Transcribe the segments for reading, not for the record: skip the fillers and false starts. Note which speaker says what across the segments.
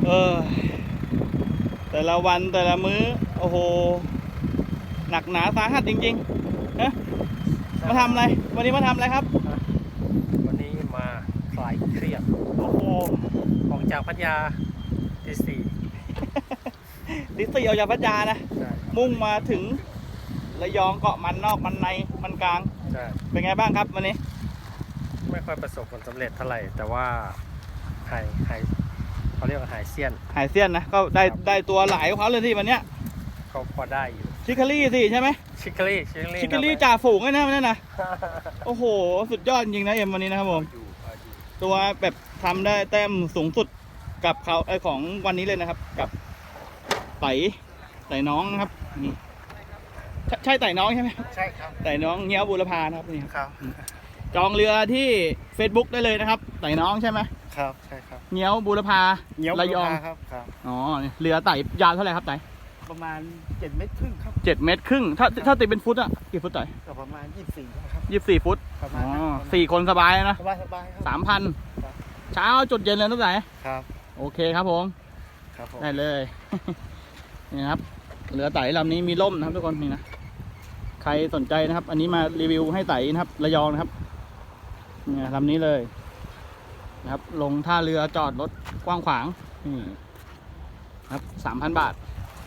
Speaker 1: เออแต่ละวันแต่ละมื้อโอ้โหหนักหนาสาหัสจริงๆนะมาทำอะไรวันนี้มาทำอะไรครับ
Speaker 2: วันนี้มาคลายเครียด
Speaker 1: โอ้โห
Speaker 2: ออกจากพัทยาตีสี่
Speaker 1: ดิสซี่ออกจากพัทยานะมุ่งมาถึงระยองเกาะมันนอกมันในมันกลางเป็นไงบ้างครับวันนี้
Speaker 2: ไม่ค่อยประสบผลสำเร็จเท่าไหร่แต่ว่าหายเขาเรียกว่าหายเซียน
Speaker 1: นะก็ได้ตัวหลายของเขาเลยที่วันเนี้ย
Speaker 2: เขาพอได้อยู่
Speaker 1: ชิคคารี่สิใช่ไหม
Speaker 2: ชิคคารี่
Speaker 1: จ่าฝูงเลยนะวันนี้นะโอ้โหสุดยอดจริงนะเอ็มวันนี้นะครับผมตัวแบบทำได้แต้มสูงสุดกับเขาของวันนี้เลยนะครับกับไต่น้องนะครับนี่ใช่ไต่น้องใช่ไหม
Speaker 2: ใช่ครับ
Speaker 1: ไต่น้องเงี้ยวบุรพานะครับนี่
Speaker 2: ครับ
Speaker 1: จองเรือที่ Facebook ได้เลยนะครับไต่น้องใช่ไหม
Speaker 2: ครับใช่ครับ
Speaker 1: เงี้ยวบุรพาระยอง
Speaker 2: ครับ
Speaker 1: อ๋อเรือไต่ยาวเท่าไหร่ครับไต่
Speaker 2: ประมาณ7 เมตรครึ่งครับ
Speaker 1: 7 เมตรครึ่งถ้าตีเป็นฟุตอะกี่ฟุตไต่
Speaker 2: ประมาณ24ครับ
Speaker 1: 24 ฟุตอ๋อ4 คนสบายนะ
Speaker 2: สบายครับ
Speaker 1: 3,000เช้าจุดเย็นเลยตั้งแต่
Speaker 2: ครับ
Speaker 1: โอเคครับผมได้เลยนี่ครับเรือไต่ลำนี้มีล่มนะครับทุกคนนี่นะใครสนใจนะครับอันนี้มารีวิวให้ไต่นะครับระยองนะครับเนี่ยลำนี้เลยนะครับลงท่าเรือจอดรถกว้างขวางนี่ครับ 3,000 บาท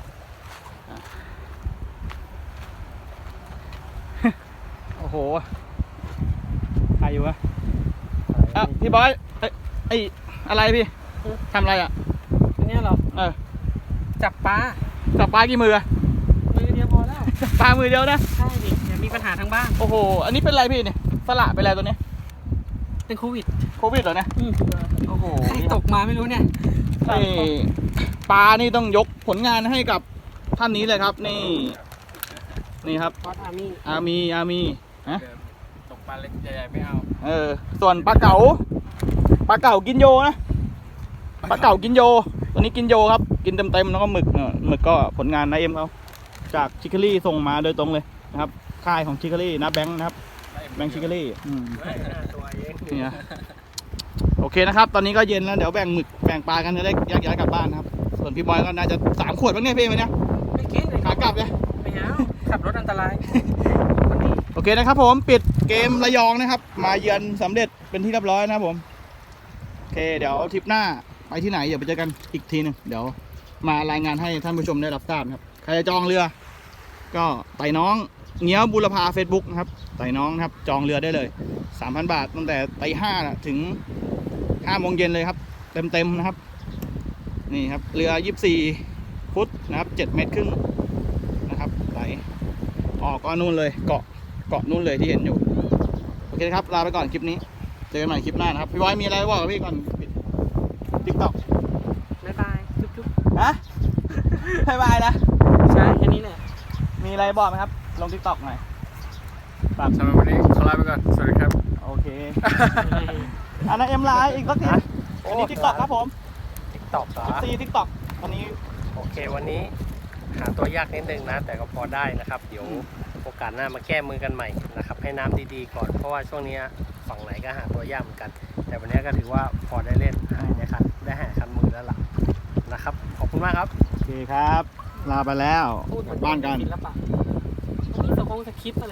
Speaker 1: โอ้โหใครอยู่วะพี่บอยไออะไรพี่ทำอะไรอ่ะ
Speaker 3: อันนี้เหรอจับปลา
Speaker 1: กี่มือ
Speaker 3: เดียวพอแล้ว
Speaker 1: จับปลามือเดียวนะ
Speaker 3: ใช่ดิอย่ามีปัญหาทางบ้าน
Speaker 1: โอ้โหอันนี้เป็นไรพี่เนี่ยสละเป็นไรตัวนี้
Speaker 3: เป็นโควิด
Speaker 1: เหรอเนี่ยโอ้โห
Speaker 3: ใครตกมาไม่รู้เนี่ย
Speaker 1: ปลานี่ต้องยกผลงานให้กับท่านนี้เลยครับนี่ครับอามีฮะ
Speaker 2: ตกปลาเล็กใหญ่ๆไม่เอา
Speaker 1: ส่วนปลาเก๋ากินโยนะปลาเก๋ากินโยตัวนี้กินโยครับกินเต็มแล้วก็หมึกก็ผลงานนายเอ็มเขาจากชิคคารี่ส่งมาโดยตรงเลยนะครับค่ายของชิคคารี่นะแบงค์นะครับแบงค์ชิคคารี่นี่นะโอเคนะครับตอนนี้ก็เย็นแล้วเดี๋ยวแบ่งปลากันจะได้แยกย้ายกลับบ้านครับส่วนพี่บอยก็น่าจะ3 ขวดบ้างเนี่ยพี่วันนี้
Speaker 3: ไม่กิน
Speaker 1: ขากลับเลย
Speaker 3: ไม่เอาขับรถอันตราย
Speaker 1: โอเคนะครับผมปิดเกมระยองนะครับมาเยือนสำเร็จเป็นที่เรียบร้อยนะครับผมโอเคเดี๋ยวทริปหน้าไปที่ไหนเดี๋ยวไปเจอกันอีกทีนึงเดี๋ยวมารายงานให้ท่านผู้ชมได้รับทราบครับใครจะจองเรือก็ไต่น้องเงี้ยวบุรพา Facebook นะครับไต่น้องนะครับจองเรือได้เลย 3,000 บาทตั้งแต่ตี 5ถึง5 โมงเย็นเลยครับเต็มนะครับนี่ครับเรือ24 ฟุตนะครับ7 เมตรครึ่งนะครับไหลออกก็นู่นเลยเกาะนู่นเลยที่เห็นอยู่โอเคครับลาไปก่อนคลิปนี้เจอกันใหม่คลิปหน้านะครับพี่บอยมีอะไรบอกกับพี่ก่อนปิด TikTok
Speaker 3: บ๊ายบายจุ๊บ
Speaker 1: ฮะบ๊ายบายนะ
Speaker 3: ใช่แค่นี้แหละ
Speaker 1: มีอะไรบอกไหมครับลง TikTok หน่อย
Speaker 2: สำหรับวันนี้ขอลาไปก่อนสวัสดีครับ
Speaker 1: โอเคอันนั้นเอ็มไลน์อีกสักทีอันนี้ TikTok ครับผม
Speaker 2: TikTok
Speaker 1: TikTok วันนี้
Speaker 2: โอเควันนี้หาตัวยากนิดนึงนะแต่ก็พอได้นะครับเดี๋ยวโอกาสหน้ามาแก้มือกันใหม่นะครับให้น้ำดีๆก่อนเพราะว่าช่วงนี้ฝั่งไหนก็หาตัวยากเหมือนกันแต่วันนี้ก็ถือว่าพอได้เล่นได้หาคันมือแล้วล่ะนะครับขอบคุณมากครับ
Speaker 1: โอเคครับลาไปแล้วกลับบ้านกัน
Speaker 3: ศิลปะนี่สคริปต์อะไร